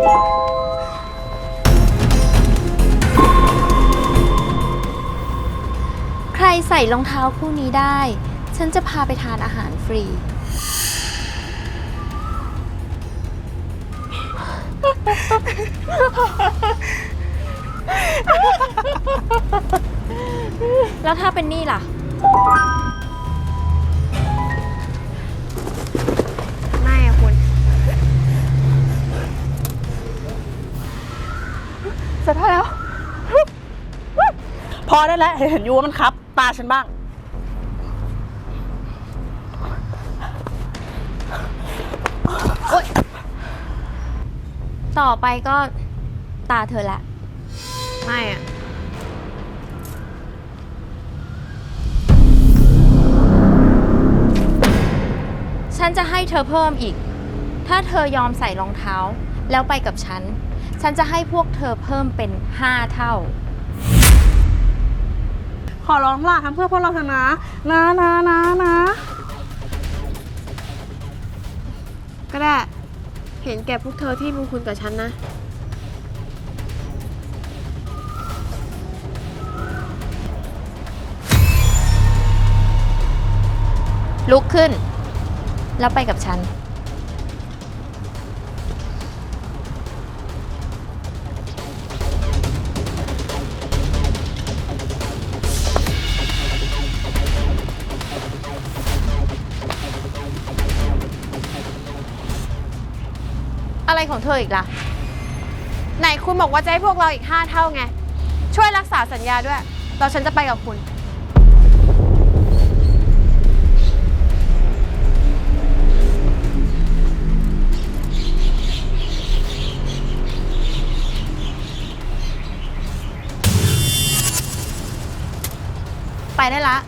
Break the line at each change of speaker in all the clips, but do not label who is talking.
ใครใส่รองเท้าคู่นี้ได้ ฉันจะพาไปทานอาหารฟรี แล้วถ้าเป็นนี่ล่ะ
ไม่อะคุณ
เสร็จแล้ว พอได้แล้ว เห็นอยู่ว่ามันครับ ตาฉันบ้าง
ต่อไปก็ตาเธอละ
ไม่อะ
ฉันจะให้เธอเพิ่มอีก ถ้าเธอยอมใส่รองเท้า แล้วไปกับฉัน ฉันจะให้พวกเธอเพิ่มเป็น5 เท่า
ขอร้องล่ะทำเพื่อพวกเราเถอะนะ นะ
ก็ได้ เห็นแก่พวกเธอที่บุญคุณกับฉันนะ
ลุกขึ้น แล้วไปกับฉัน อะไรของเธออีกล่ะ
ไหนคุณบอกว่าจะให้พวกเราอีก5 เท่าไง ช่วยรักษาสัญญาด้วยเราฉันจะไปกับคุณ
ไปได้ละ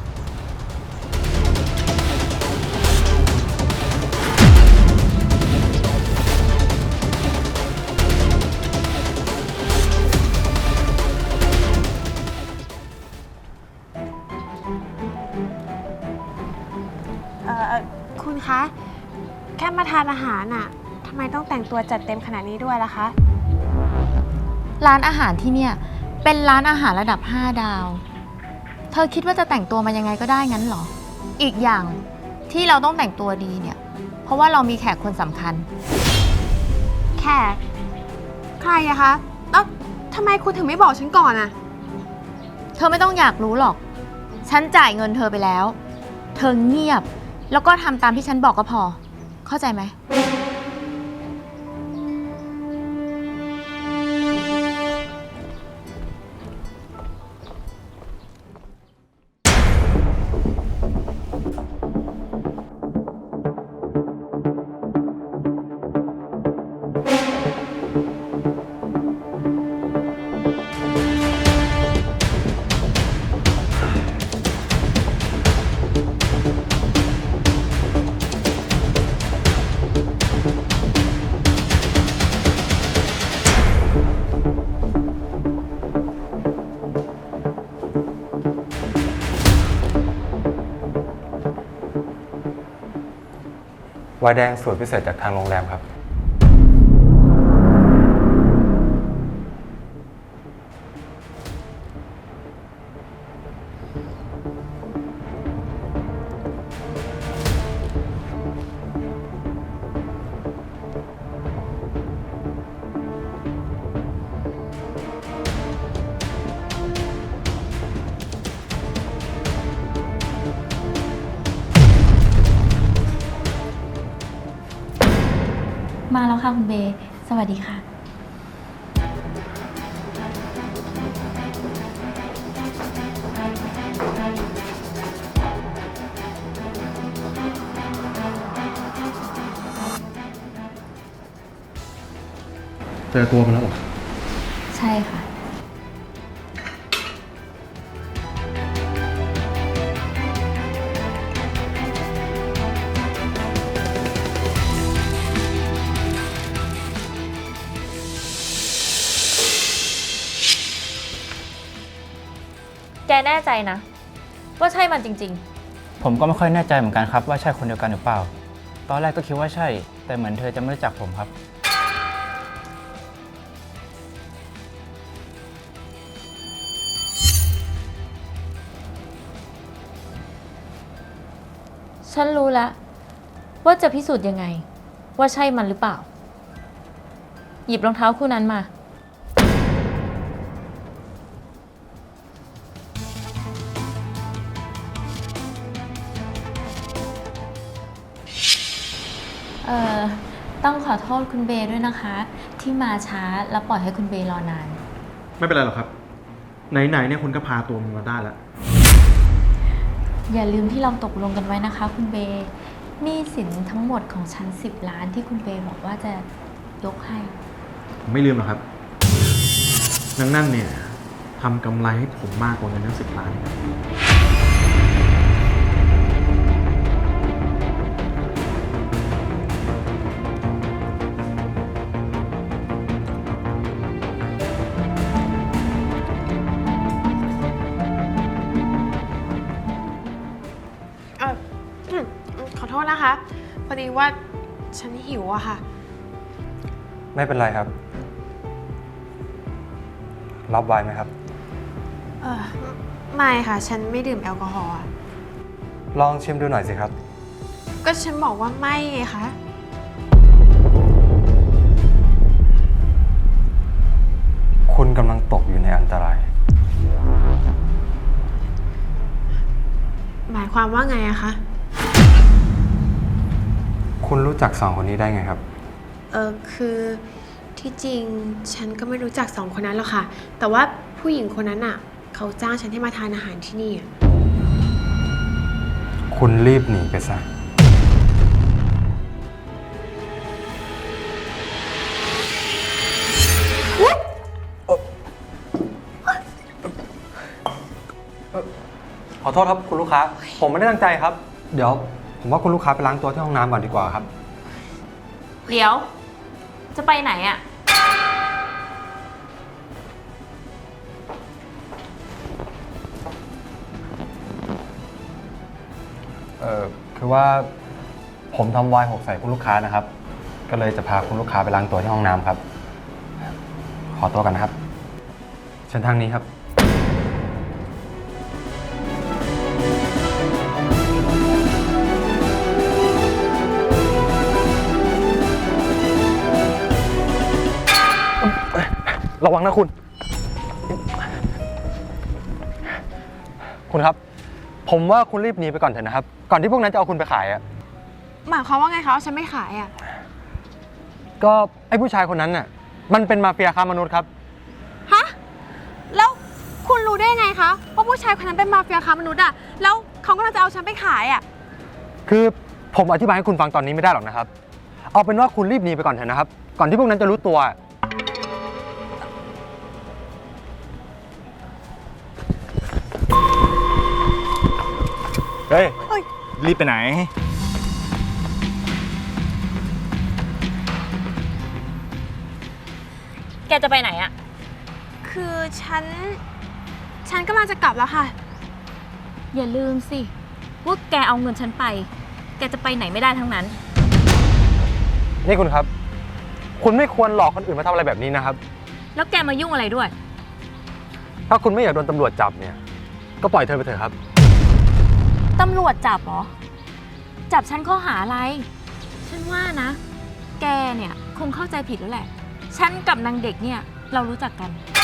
คุณคะ แค่มาทานอาหารน่ะทำไมต้องแต่งตัวจัดเต็มขนาดนี้ด้วยล่ะคะ
ร้านอาหารที่เนี่ย เป็นร้านอาหารระดับ 5 ดาว เธอคิดว่าจะแต่งตัวมายังไงก็ได้งั้นเหรอ อีกอย่างที่เราต้องแต่งตัวดีเนี่ย เพราะว่าเรามีแขกคนสำคัญ
แขก ใครอะคะ แล้วทำไมคุณถึงไม่บอกฉันก่อนอะ
เธอไม่ต้องอยากรู้หรอก ฉันจ่ายเงินเธอไปแล้ว เธอเงียบ แล้วก็ทำตามที่ฉันบอกก็พอ เข้าใจไหม
ไวน์แดงสูตรพิเศษจากทางโรงแรมครับ
มาแล้วค่ะคุณเบย์สวัสดีค่ะ
เจอตัวมันแล้วเหรอ
ใช่ค่ะ แกแน่ใจนะ ว่าใช่มันจริง
ผมก็ไม่ค่อยแน่ใจเหมือนกันครับว่าใช่คนเดียวกันหรือเปล่า ตอนแรกก็คิดว่าใช่ แต่เหมือนเธอจะไม่รู้จักผมครับ
ฉันรู้แล้วว่าจะพิสูจน์ยังไง ว่าใช่มันหรือเปล่า หยิบรองเท้าคู่นั้นมา ต้องขอโทษคุณเบย์ด้วยนะคะ ที่มาช้าแล้วปล่อยให้คุณเบย์รอนาน
ไม่เป็นไรหรอกครับ ไหนๆเนี่ยคุณก็พาตัวมันมาได้แล้ว
อย่าลืมที่เราตกลงกันไว้นะคะ คุณเบย์หนี้สินทั้งหมดของฉัน10 ล้านที่คุณเบย์บอกว่าจะยกให้
ผมไม่ลืมหรอกครับนางนั่นเนี่ยทำกำไรให้ผมมากกว่าเงินทั้ง10 ล้านครับ
เออขอโทษนะคะ พอดีว่าฉันหิวอะค่ะ
ไม่เป็นไรครับ รับไวน์ไหมครับ
เออไม่ค่ะ ฉันไม่ดื่มแอลกอฮอล์อะ
ลองชิมดูหน่อยสิครับ
ก็ฉันบอกว่าไม่ไงคะ
คุณกำลังตกอยู่ในอันตราย
หมายความว่าไงอะคะ
คุณรู้จัก2 คนนี้ได้ไงครับ
คือที่จริงฉันก็ไม่รู้จัก2 คนนั้นหรอกค่ะ แต่ว่าผู้หญิงคนนั้นอะเขาจ้างฉันให้มาทานอาหารที่นี่อะ
คุณรีบหนีไปซะ ขอโทษครับคุณลูกค้า ผมไม่ได้ตั้งใจครับ เดี๋ยวผมว่าคุณลูกค้าไปล้างตัวที่ห้องน้ำก่อนดีกว่าครับ
เดี๋ยว จะไปไหนอะ
คือว่าผมทำไวน์หกใส่คุณลูกค้านะครับ ก็เลยจะพาคุณลูกค้าไปล้างตัวที่ห้องน้ำครับ ขอตัวกันนะครับ เชิญทางนี้ครับ ระวังนะคุณ คุณครับ ผมว่าคุณรีบหนีไปก่อนเถอะนะครับ ก่อนที่พวกนั้นจะเอาคุณไปขายอะ
หมายความว่าไงคะว่าฉันไม่ขายอะ
ก็ไอ้ผู้ชายคนนั้นน่ะ มันเป็นมาเฟียค้ามนุษย์ครับ
ฮะ แล้วคุณรู้ได้ยังไงคะว่าผู้ชายคนนั้นเป็นมาเฟียค้ามนุษย์อะแล้วเขากำลังจะเอาฉันไปขายอะ
คือผมอธิบายให้คุณฟังตอนนี้ไม่ได้หรอกนะครับ เอาเป็นว่าคุณรีบหนีไปก่อนเถอะนะครับ ก่อนที่พวกนั้นจะรู้ตัว
เฮ้ย รีบไปไหน
แกจะไปไหนอะ
คือฉันกำลังจะกลับแล้วค่ะ
อย่าลืมสิ ว่าแกเอาเงินฉันไป แกจะไปไหนไม่ได้ทั้งนั้น
นี่คุณครับ คุณไม่ควรหลอกคนอื่นมาทำอะไรแบบนี้นะครับ
แล้วแกมายุ่งอะไรด้วย
ถ้าคุณไม่อยากโดนตำรวจจับเนี่ย ก็ปล่อยเธอไปเถอะครับ
ตำรวจจับเหรอ จับฉันข้อหาอะไร ฉันว่านะ แกเนี่ยคงเข้าใจผิดแล้วแหละ ฉันกับนางเด็กเนี่ยเรารู้จักกัน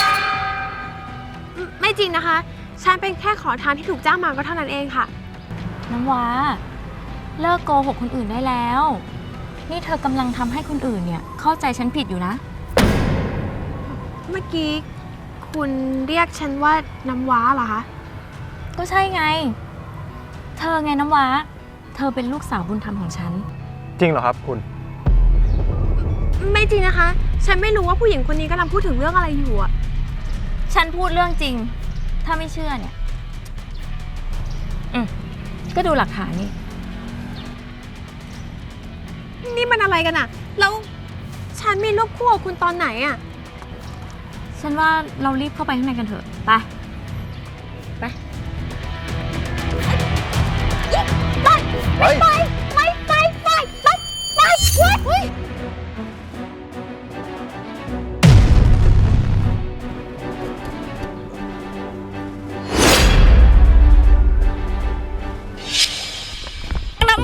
ไม่จริงนะคะ ฉันเป็นแค่ขอทานที่ถูกจ้างมาก็เท่านั้นเองค่ะ
น้ำว้า เลิกโกหกคนอื่นได้แล้ว นี่เธอกำลังทำให้คนอื่นเนี่ยเข้าใจฉันผิดอยู่นะ
เมื่อกี้คุณเรียกฉันว่าน้ำว้าเหรอคะ
ก็ใช่ไง เธอไงน้ำว้า เธอเป็นลูกสาวบุญธรรมของฉัน
จริงเหรอครับคุณ
ไม่จริงนะคะ ฉันไม่รู้ว่าผู้หญิงคนนี้กำลังพูดถึงเรื่องอะไรอยู่อะ
ฉันพูดเรื่องจริง ถ้าไม่เชื่อเนี่ย ก็ดูหลักฐานนี่
นี่มันอะไรกันอะแล้วฉันมีรูปคู่กับคุณตอนไหนอะ
ฉันว่าเรารีบเข้าไปข้างในกันเถอะ ไป ไป น้ำ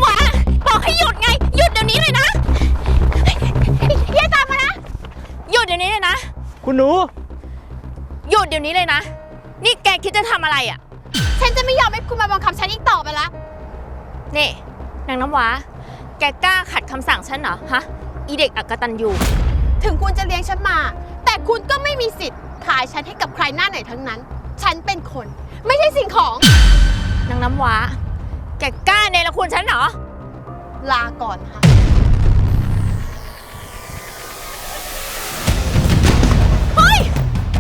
คุณหนู
หยุดเดี๋ยวนี้เลยนะ นี่แกคิดจะทำอะไรอะ่ะ
ฉันจะไม่ยอมให้คุณมาบังคับฉันอีกต่อไปละ
นี่นางน้ำว้า แกกล้าขัดคำสั่งฉันเหรอ ฮะ อีเด็กอักตันยู
ถึงคุณจะเลี้ยงฉันมา แต่คุณก็ไม่มีสิทธิ์ขายฉันให้กับใครหน้าไหนทั้งนั้น ฉันเป็นคน ไม่ใช่สิ่งของ
นางน้ำว้า แกกล้าเนรคุณฉันเหรอ
ลาก่อนค่ะ
เฮ้ย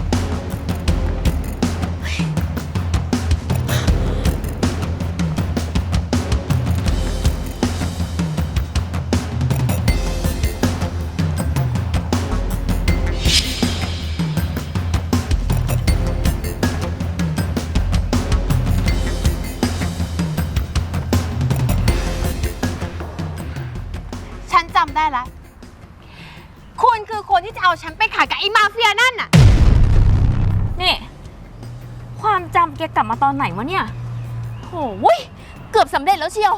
ฉันจำได้แล้ว คุณคือคนที่จะเอาฉันไปขายกับไอ้มาเฟียนั่นน่ะ
นี่ ความจำแกกลับมาตอนไหนวะเนี่ยโอ้ยเกือบสำเร็จแล้วเชียว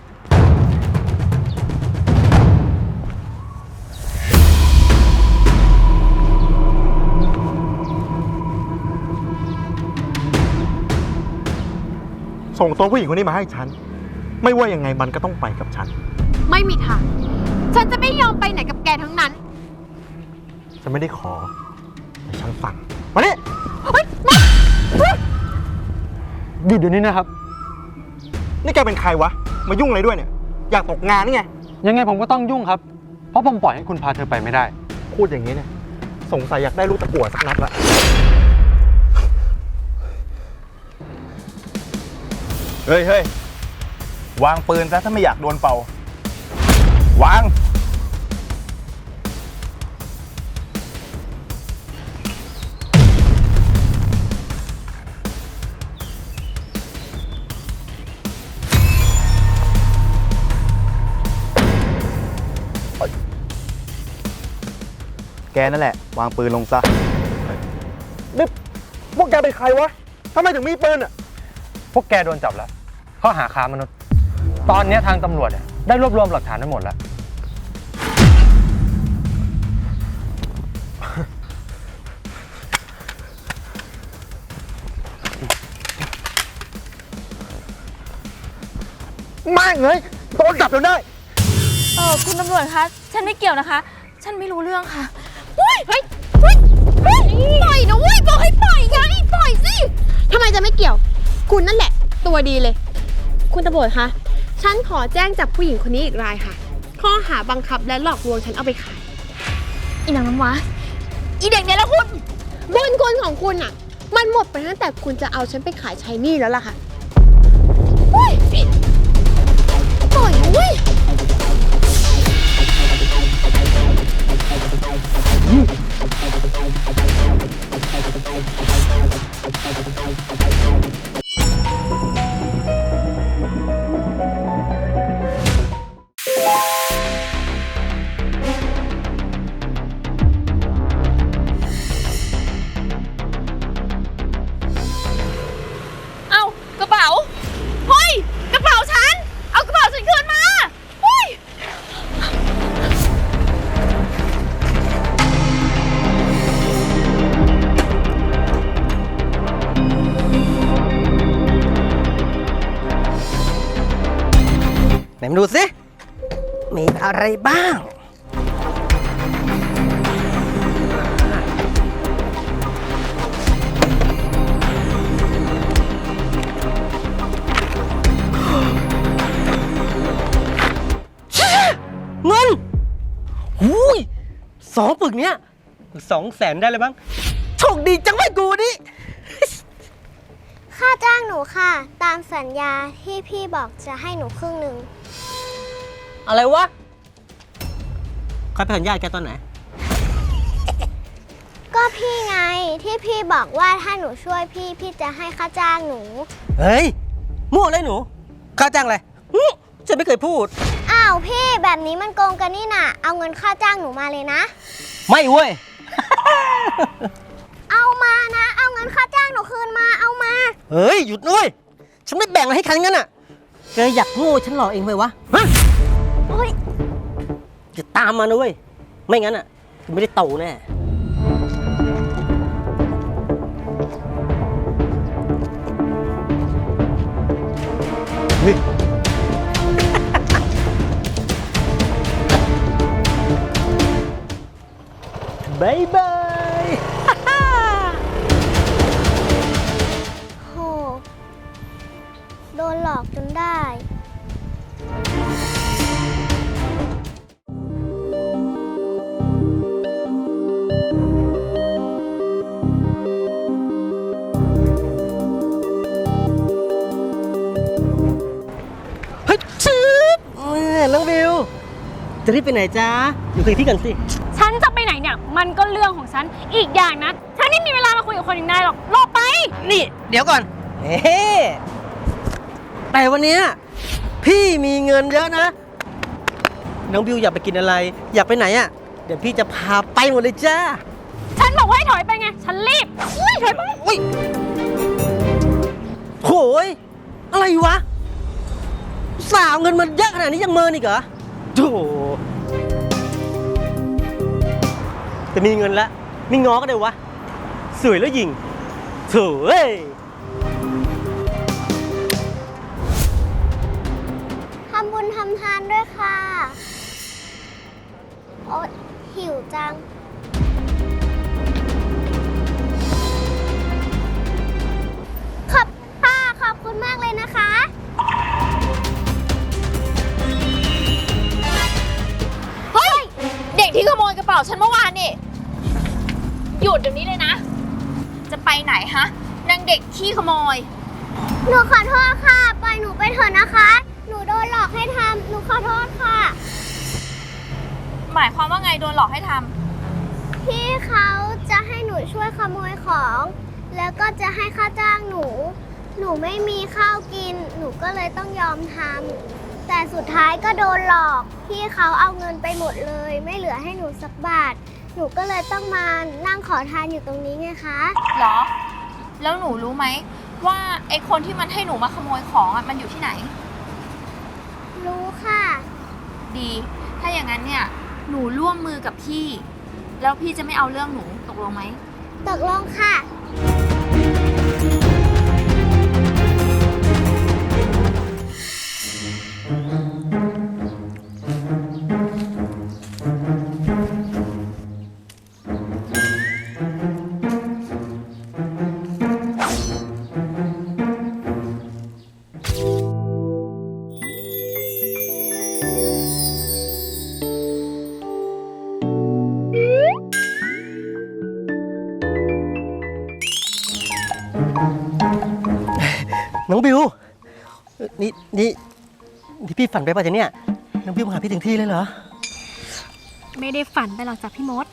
ส่งตัวผู้หญิงคนนี้มาให้ฉัน ไม่ว่ายังไงมันก็ต้องไปกับฉัน
ไม่มีทาง ฉันจะไม่ยอมไปไหนกับแกทั้งนั้น
ฉันไม่ได้ขอแต่ฉันสั่งมานี่
หยุดเดี๋ยวนี้นะครับ
นี่แกเป็นใครวะ มายุ่งอะไรด้วยเนี่ย อยากตกงานนี่ไง
ยังไงผมก็ต้องยุ่งครับ เพราะผมปล่อยให้คุณพาเธอไปไม่ได้
พูดอย่างนี้เนี่ย สงสัยอยากได้ลูกตะกั่วสักนัดละ
เฮ้ยเฮ้ยวางปืนซะถ้าไม่อยากโดนเป่า วาง แกนั่นแหละ วางปืนลงซะ
นี่พวกแกเป็นใครวะทำไมถึงมีปืนอ่ะ
พวกแกโดนจับแล้วข้อหาค้ามนุษย์ ตอนนี้ทางตำรวจเนี่ยได้รวบรวมหลักฐานทั้งหมดแล้ว
ไม่เลยโดนจับจนได้
คุณตำรวจคะ ฉันไม่เกี่ยวนะคะ ฉันไม่รู้เรื่องค่ะ
เฮ้ยปล่อยนะเว้ยบอกให้ปล่อยไงปล่อยสิทำไมจะไม่เกี่ยว คุณนั่นแหละ ตัวดีเลย คุณตำรวจคะ ฉันขอแจ้งจับผู้หญิงคนนี้อีกรายค่ะ ข้อหาบังคับและหลอกลวงฉันเอาไปขาย
อีนางน้ำว้า อีเด็กเนี่ยแล้วคุณ
บุญคุณของคุณอ่ะ มันหมดไปตั้งแต่คุณจะเอาฉันไปขายใช้หนี้แล้วล่ะค่ะเฮ้ยปล่อยนะเว้ย
เอากระเป๋า เฮ้ย กระเป๋าฉัน เอากระเป๋าฉันคืนมา เฮ้ย
ไหนมาดูสิ มีอะไรบ้าง เงินหูย2 ปึกเนี้ย200,000ได้เลยบ้าง โชคดีจังไว้กูนี่
ค่าจ้างหนูค่ะ ตามสัญญาที่พี่บอกจะให้หนูครึ่งหนึ่ง
อะไรวะใครไปสัญญาแกตอนไหน
ก็พี่ไงที่พี่บอกว่าถ้าหนูช่วยพี่ พี่จะให้ค่าจ้างหนู
เฮ้ย มั่วเลยหนู ค่าจ้างอะไรฉันไม่เคยพูด
อ้าวพี่แบบนี้มันโกงกันนี่น่ะ เอาเงินค่าจ้างหนูมาเลยนะ
ไม่เว้ย
เอามานะ เอาเงินค่าจ้างหนูคืนมาเอามา
เฮ้ย หยุดด้วย ฉันไม่แบ่งอะไรให้ใครทั้งนั้นอ่ะแกอยากโง่ฉันหลอกเองเลยวะฮะ
โอ๊ย
จะตามมานะเว้ย ไม่งั้นอ่ะไม่ได้โตแน่บายบาย
โห โดนหลอกจนได้
เฮ้ยชืบน้องบิว จะรีบไปไหนจ๊ะ อยู่คุยที่กันสิ
ฉันจะไปไหนเนี่ย มันก็เรื่องของฉัน อีกอย่างนะ ฉันไม่มีเวลามาคุยกับคนอย่างนายหรอกหลบไป
นี่เดี๋ยวก่อน เฮ้แต่วันเนี้ยพี่มีเงินเยอะนะ น้องบิวอยากไปกินอะไร อยากไปไหนอ่ะ เดี๋ยวพี่จะพาไปหมดเลยจ้า
ฉันบอกว่าให้ถอยไปไง ฉันรีบอุ้ยถอยไป
อุ้ยโหยอะไรวะ สาวเงินมันเยอะขนาดนี้ยังเมินอีกเหรอโธ่แต่มีเงินแล้วมีง้อก็ได้วะ สวยแล้วยิงโถ่เอ้ย
ทำบุญทำทานด้วยค่ะ โอ๊ยหิวจัง ขอบค่ะ ขอบคุณมากเลยนะคะ
เฮ้ย เด็กที่ขโมยกระเป๋าฉันเมื่อวานนี่หยุดเดี๋ยวนี้เลยนะ จะไปไหนฮะนางเด็กขี้ขโมย
หนูขอโทษค่ะ ปล่อยหนูไปเถอะนะคะ หนูโดนหลอกให้ทำ หนูขอโทษค่ะ
หมายความว่าไงโดนหลอกให้ทำ
พี่เขาจะให้หนูช่วยขโมยของ แล้วก็จะให้ค่าจ้างหนู หนูไม่มีข้าวกิน หนูก็เลยต้องยอมทำ แต่สุดท้ายก็โดนหลอก พี่เขาเอาเงินไปหมดเลย ไม่เหลือให้หนูสักบาท หนูก็เลยต้องมานั่งขอทานอยู่ตรงนี้ไงคะ
เหรอ แล้วหนูรู้ไหมว่าไอ้คนที่มันให้หนูมาขโมยของอ่ะมันอยู่ที่ไหน
รู้ค่ะ
ดี ถ้าอย่างนั้นเนี่ย หนูร่วมมือกับพี่ แล้วพี่จะไม่เอาเรื่องหนูตกลงไหม
ตกลงค่ะ
น้องบิว นี่พี่ฝันไปป่ะจ๊ะเนี่ย น้องบิวมาหาพี่ถึงที่เลยเหรอ
ไม่ได้ฝันไปหรอกจ้ะพี่มด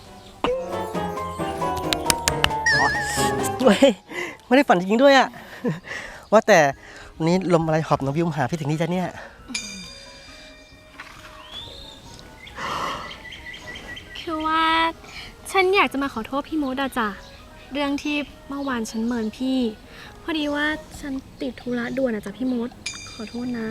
เว้ยไม่ได้ฝันจริงๆด้วยอะ ว่าแต่วันนี้ลมอะไรหอบน้องบิวมาหาพี่ถึงนี่จ๊ะเนี่ย
คือว่าฉันอยากจะมาขอโทษพี่มดอะจ้ะ เรื่องที่เมื่อวานฉันเมินพี่ พอดีว่าฉันติดธุระด่วนอะจ้ะพี่มด ขอโทษนะ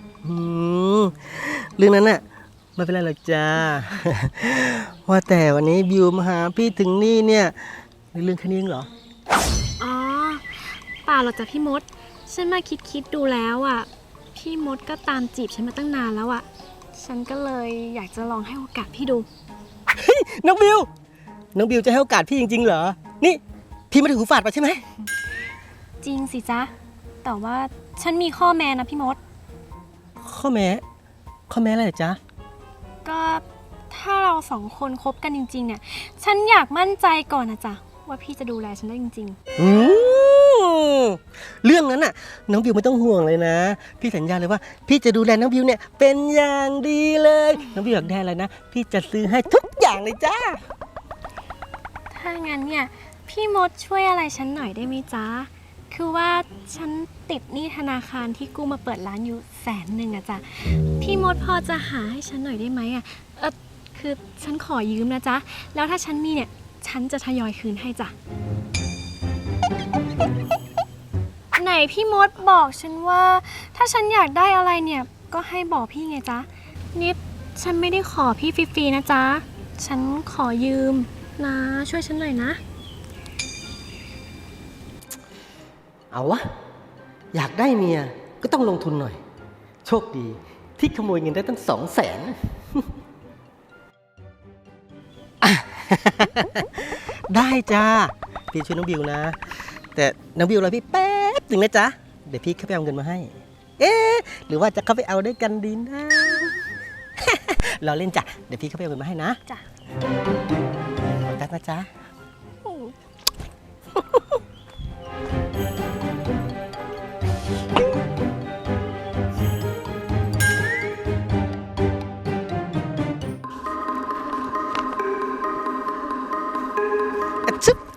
เรื่องนั้นน่ะไม่เป็นไรหรอกจ้า ว่าแต่วันนี้บิวมาหาพี่ถึงนี่เนี่ยเรื่องแค่นี้เองเหรอ
อ๋อเปล่าหรอกจ้ะพี่มด ฉันมาคิดดูแล้วอะพี่มดก็ตามจีบฉันมาตั้งนานแล้วอะฉันก็เลยอยากจะลองให้โอกาสพี่ดู
น้องบิวจะให้โอกาสพี่จริงๆเหรอ นี่พี่ไม่ได้หูฝาดไปใช่ไหม
จริงสิจ๊ะ แต่ว่าฉันมีข้อแม้นะพี่มด
ข้อแม้อะไรเหรอจ๊ะ
ก็ถ้าเราสองคนคบกันจริงๆเนี่ย ฉันอยากมั่นใจก่อนนะจ๊ะว่าพี่จะดูแลฉันได้จริง
เรื่องนั้นน่ะน้องบิวไม่ต้องห่วงเลยนะ พี่สัญญาเลยว่าพี่จะดูแลน้องบิวเนี่ยเป็นอย่างดีเลย น้องบิวอยากได้อะไรนะ พี่จะซื้อให้ทุกอย่างเลยจ้า
ๆ ถ้างั้นเนี่ยพี่มดช่วยอะไรฉันหน่อยได้ไหมจ๊ะ คือว่าฉันติดหนี้ธนาคารที่กู้มาเปิดร้านอยู่100,000อะจ้ะ พี่มดพอจะหาให้ฉันหน่อยได้ไหมอะคือฉันขอยืมนะจ๊ะ แล้วถ้าฉันมีเนี่ยฉันจะทยอยคืนให้จ้ะ ไหนพี่มดบอกฉันว่าถ้าฉันอยากได้อะไรเนี่ยก็ให้บอกพี่ไงจ๊ะนี่ฉันไม่ได้ขอพี่ฟรีๆนะจ๊ะ ฉันขอยืมนะ ช่วยฉันหน่อยนะ
เอาวะอยากได้เมียก็ต้องลงทุนหน่อยโชคดีที่ขโมยเงินได้ตั้ง200,000 ได้จ้า พี่ช่วยน้องบิวนะ แต่น้องบิวรอพี่แป๊บหนึ่งนะจ๊ะ เดี๋ยวพี่เข้าไปเอาเงินมาให้ เอ๊ะ หรือว่าจะเข้าไปเอาด้วยกันดีนะ รอเล่นจ้ะ เดี๋ยวพี่เข้าไปเอาเงินมาให้นะ
จ้ะ
แป๊บนะจ๊ะ อะชึบ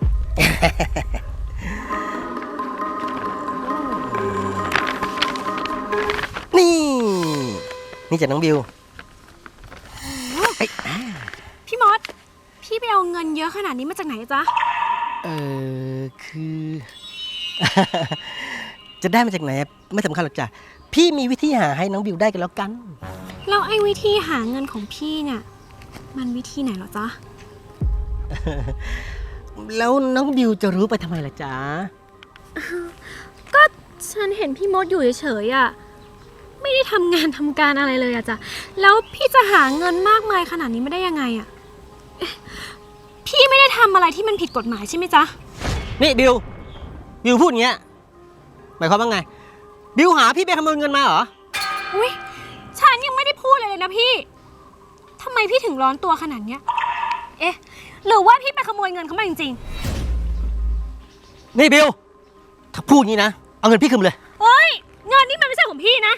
นี่จากน้องบิว
พี่มด พี่ไปเอาเงินเยอะขนาดนี้มาจากไหนจ๊ะ
คือ จะได้มาจากไหนไม่สำคัญหรอกจ้ะ พี่มีวิธีหาให้น้องบิวได้กันแล้วกัน
แล้วไอ้วิธีหาเงินของพี่เนี่ย มันวิธีไหนเหรอจ๊ะ
แล้วน้องบิวจะรู้ไปทำไมล่ะจ๊ะ
ก็ฉันเห็นพี่มดอยู่เฉยๆอ่ะ ไม่ได้ทำงานทำการอะไรเลยอะจ๊ะ แล้วพี่จะหาเงินมากมายขนาดนี้ไม่ได้ยังไงอะเอ๊ะพี่ไม่ได้ทำอะไรที่มันผิดกฎหมายใช่ไหมจ๊ะ
นี่บิวพูดอย่างเงี้ย หมายความว่าไง บิวหาพี่ไปขโมยเงินมาเหรอ
อุ้ยฉันยังไม่ได้พูดอะไรเลยนะพี่ทำไมพี่ถึงร้อนตัวขนาดเนี้ย เอ๊ะ หรือว่าพี่ไปขโมยเงินเขามาจริง
นี่บิว ถ้าพูดอย่างนี้นะ เอาเงินพี่คืนมาเลย
ๆเฮ้ย เงินนี่มันไม่ใช่ของพี่นะ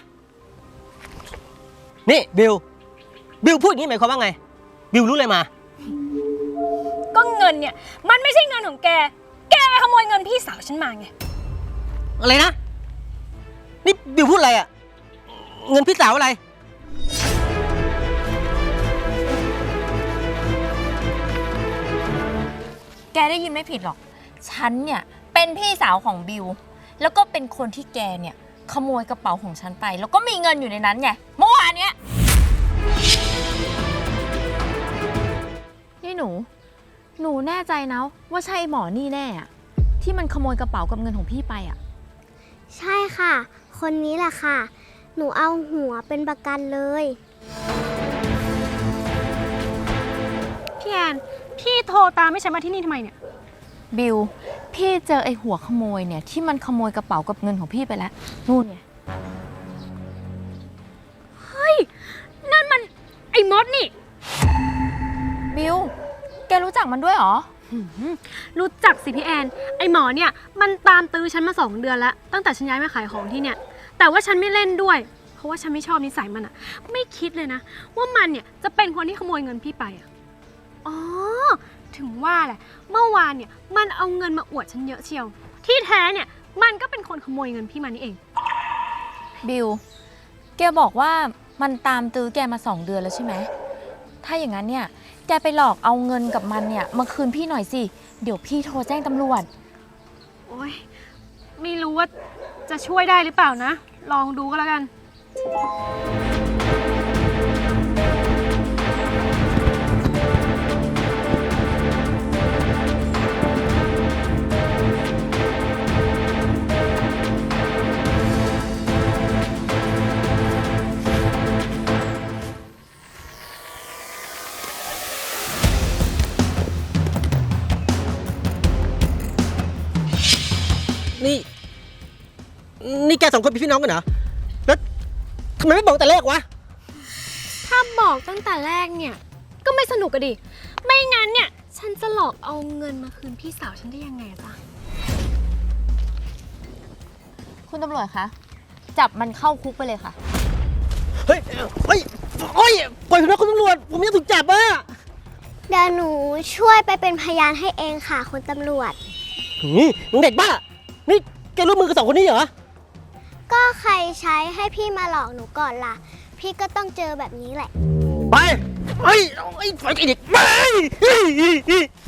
นี่บิวพูดอย่างนี้หมายความว่าไง บิวรู้อะไรมา
ก็เงินเนี่ยมันไม่ใช่เงินของแก แกไปขโมยเงินพี่สาวฉันมาไง
อะไรนะ นี่บิวพูดอะไรอะเงินพี่สาวอะไร
แกได้ยินไม่ผิดหรอก ฉันเนี่ยเป็นพี่สาวของบิว แล้วก็เป็นคนที่แกเนี่ยขโมยกระเป๋าของฉันไป แล้วก็มีเงินอยู่ในนั้นไง เมื่อวานเนี้ยนี่หนูแน่ใจนะว่าใช่หมอนี่แน่อะที่มันขโมยกระเป๋ากับเงินของพี่ไปอะ
ใช่ค่ะ คนนี้แหละค่ะ หนูเอาหัวเป็นประกันเลย
พี่แอนพี่โทรตามไม่ใช่มาที่นี่ทำไมเนี่ย
บิว พี่เจอไอ้หัวขโมยเนี่ยที่มันขโมยกระเป๋ากับเงินของพี่ไปแล้วนู่นไง
เฮ้ย นั่นมันไอ้มดนี่
บิว แกรู้จักมันด้วยเหรอ
รู้จักสิพี่แอน ไอหมอเนี่ยมันตามตื้อฉันมา2 เดือนแล้วตั้งแต่ฉันย้ายมาขายของที่เนี่ย แต่ว่าฉันไม่เล่นด้วย เพราะว่าฉันไม่ชอบนิสัยมันอะไม่คิดเลยนะ ว่ามันเนี่ยจะเป็นคนที่ขโมยเงินพี่ไปอะอ๋อ ถึงว่าแหละ เมื่อวานเนี่ยมันเอาเงินมาอวดฉันเยอะเชียว ที่แท้เนี่ยมันก็เป็นคนขโมยเงินพี่มานี่เอง
บิว แกบอกว่ามันตามตื้อแกมา2 เดือนแล้วใช่ไหม ถ้าอย่างนั้นเนี่ย แกไปหลอกเอาเงินกับมันเนี่ยมาคืนพี่หน่อยสิ เดี๋ยวพี่โทรแจ้งตำรวจ
โอ๊ย ไม่รู้ว่าจะช่วยได้หรือเปล่านะ ลองดูก็แล้วกัน
นี่แก2 คนเป็นพี่น้องกันเหรอ แล้วทำไมไม่บอกแต่แรกวะ
ถ้าบอกตั้งแต่แรกเนี่ย ก็ไม่สนุกอะดิ ไม่งั้นเนี่ย ฉันจะหลอกเอาเงินมาคืนพี่สาวฉันได้ยังไงอะจ๊ะ
คุณตำรวจคะ จับมันเข้าคุกไปเลยค่ะ
เฮ้ยปล่อยผมนะคุณตำรวจ ผมยังถูกจับอ่ะ
เดี๋ยวหนูช่วยไปเป็นพยานให้เองค่ะคุณตำรวจ
นี่มึงเด็กบ้า นี่แกร่วมมือกับ2 คนนี้เหรอ
ก็ใครใช้ให้พี่มาหลอกหนูก่อนล่ะ พี่ก็ต้องเจอแบบนี้แหละ
ไป ไปไอ้เด็กไป